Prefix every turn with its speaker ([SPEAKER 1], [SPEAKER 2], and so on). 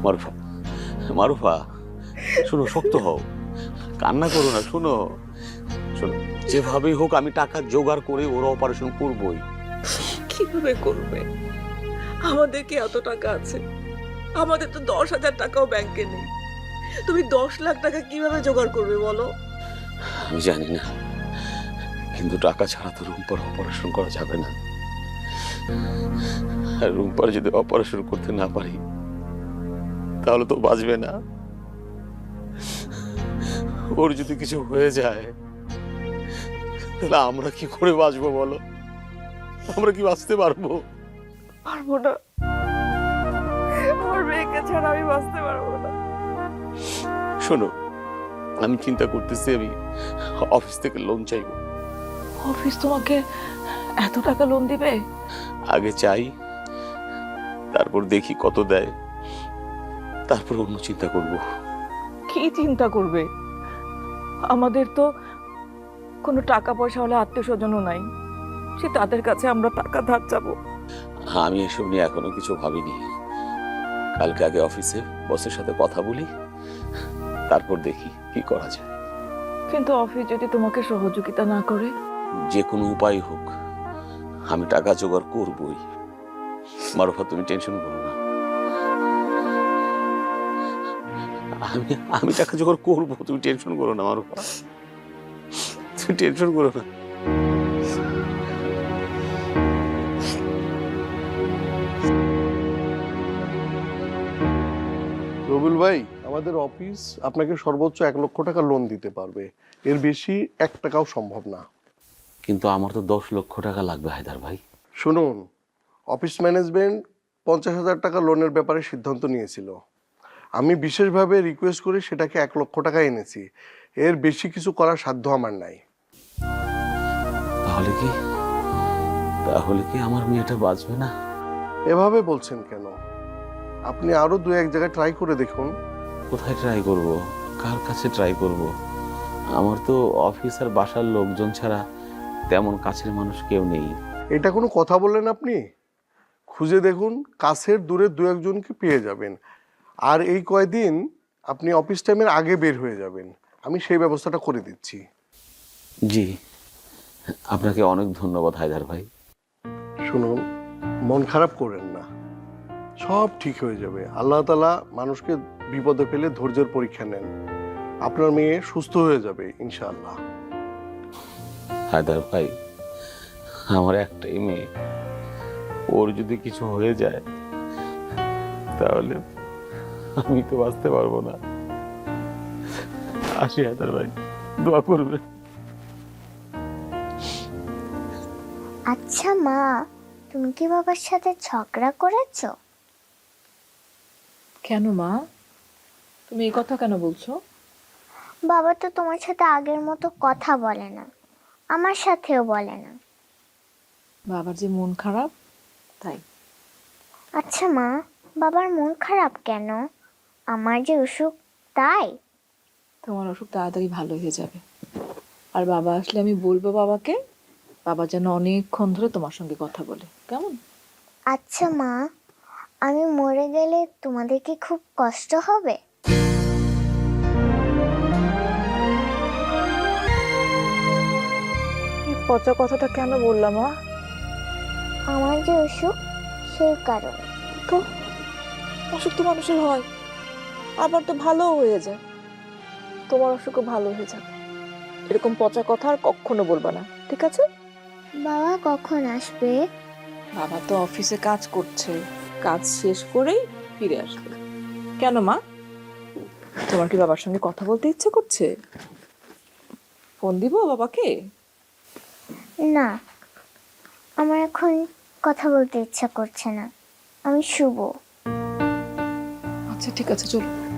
[SPEAKER 1] মারুফা, মারুফা, শোনো, শক্ত হও, কান্না করো না। শোনো শোনো, যেভাবেই হোক আমি টাকা জোগাড় করে ওর অপারেশন করবই।
[SPEAKER 2] কিভাবে করবে? আমাদের কি এত টাকা আছে? আমাদের তো 10,000 টাকাও ব্যাংকে নেই। তুমি 10 লাখ টাকা কিভাবে জোগাড় করবে বলো?
[SPEAKER 1] আমি জানি না, কিন্তু টাকা ছাড়া তো রুম্পার অপারেশন করা যাবে না। আর রুম্পার যদি অপারেশন করতে না পারি তাহলে তো বাঁচবে না। ওর যদি কিছু হয়ে যায় তাহলে আমরা কি করে বাঁচবো বলো? আমরা কি বাঁচতে পারবো?
[SPEAKER 2] পারবো না, আমার মেয়েকে ছাড়া আমি বাঁচতে পারবো না।
[SPEAKER 1] শোনো, আমি চিন্তা করতেছি আমি অফিস থেকে লোন চাইবো।
[SPEAKER 2] অফিস তোমাকে এত টাকা লোন দিবে?
[SPEAKER 1] আগে চাই, তারপর দেখি কত দেয়, তারপর অন্য চিন্তা করব।
[SPEAKER 2] কি চিন্তা করবে? আমাদের তো কোনো টাকা পয়সা হলে আত্মীয় স্বজনও নাই, সে তাদের কাছে আমরা টাকা ধার চাবো।
[SPEAKER 1] আমি এসব নিয়ে এখনো কিছু ভাবিনি। কালকে আগে অফিসে বসের সাথে কথা বলি, তারপর দেখি কি করা যায়।
[SPEAKER 2] কিন্তু অফিস যদি তোমাকে সহযোগিতা না করে?
[SPEAKER 1] যে কোনো উপায় হোক আমি টাকা জোগাড় করবই। মারুফা, তুমি টেনশন করো না, আমি আমি টাকা জোগাড় করবো। তুমি টেনশন করো না মারুফা, তুমি টেনশন করো না।
[SPEAKER 3] রবিউল ভাই, আমাদের অফিস আপনাকে সর্বোচ্চ 1 লক্ষ টাকা লোন দিতে পারবে, এর বেশি 1 টাকাও সম্ভব না।
[SPEAKER 1] কিন্তু আমার তো 10 লক্ষ টাকা লাগবে হায়দার ভাই।
[SPEAKER 3] শুনুন, অফিস ম্যানেজমেন্ট 50,000 টাকা লোনের ব্যাপারে সিদ্ধান্ত নিয়েছিল। আমি বিশেষভাবে রিকোয়েস্ট করে সেটাকে 1 লক্ষ টাকা এনেছি। এর বেশি কিছু করার সাধ্য আমার নাই।
[SPEAKER 1] তাহলে কি তাহলে কি আমার মেয়েটা বাঁচবে না?
[SPEAKER 3] এভাবে বলছেন কেন? আপনি আরো 2-1 জায়গায় ট্রাই করে দেখুন।
[SPEAKER 1] কোথায় ট্রাই করব? কার কাছে ট্রাই করব? আমার তো অফিস আর বাসার লোকজন ছাড়া তেমন কাছের মানুষ কেউ নেই।
[SPEAKER 3] এটা কোনো কথা বললেন আপনি? খুঁজে দেখুন, কাছের দূরের 2-1 জনকে পেয়ে যাবেন। আর এই কয়দিন আপনি অফিস টাইমের আগে বের হয়ে যাবেন, আমি সেই ব্যবস্থাটা করে দিচ্ছি।
[SPEAKER 1] জি, আপনাকে অনেক ধন্যবাদ হায়দার ভাই।
[SPEAKER 3] শুনুন, মন খারাপ করেন না, সব ঠিক হয়ে যাবে। আল্লাহ তাআলা মানুষকে বিপদে ফেলে ধৈর্যের পরীক্ষা নেন। আপনার মেয়ে সুস্থ হয়ে যাবে ইনশাআল্লাহ।
[SPEAKER 1] হায়দার ভাই, আমার একটাই মেয়ে, ওর যদি কিছু হয়ে যায় তাহলে আমি তো বাঁচতে পারবো না। আসি হায়দার ভাই, দোয়া করবে।
[SPEAKER 4] আচ্ছা মা, তুমি কি বাবার সাথে ঝগড়া করেছো?
[SPEAKER 2] কেন মা, তুমি এই কথা কেন বলছো?
[SPEAKER 4] বাবা তো তোমার সাথে আগের মতো কথা বলে না, আমার সাথেও বলে না।
[SPEAKER 2] বাবার যে মন খারাপ তাই।
[SPEAKER 4] আচ্ছা মা, বাবার মন খারাপ কেন? আমার যে অসুখ তাই?
[SPEAKER 2] তোমার অসুখ তাড়াতাড়ি ভালো হয়ে যাবে। আর বাবা আসলে আমি বলবো বাবাকে, বাবা যেন অনেকক্ষণ ধরে তোমার সঙ্গে কথা বলে, কেমন?
[SPEAKER 4] আচ্ছা মা, আমি মরে গেলে তোমাদের কি খুব কষ্ট হবে?
[SPEAKER 2] এই পচা কথাটা কেন বললাম মা?
[SPEAKER 4] আমার যে অসুখ সেই কারণে।
[SPEAKER 2] তো অসুখ তো মানুষের হয়, আবার তো ভালো হয়ে যায়। তোমার অসুখও ভালো হয়ে যাবে। এরকম পচা কথা আর কখনো বলবা না, ঠিক আছে?
[SPEAKER 4] বাবা কখন আসবে?
[SPEAKER 2] বাবা তো অফিসে কাজ করছে, কাজ শেষ করেই ফিরে আসবে। কেন মা, তোমার কি বাবার সঙ্গে কথা বলতে ইচ্ছে করছে? ফোন দিব বাবাকে?
[SPEAKER 4] না, আমার এখন কথা বলতে ইচ্ছা করছে না, আমি শুবো।
[SPEAKER 2] আচ্ছা ঠিক আছে, চলো।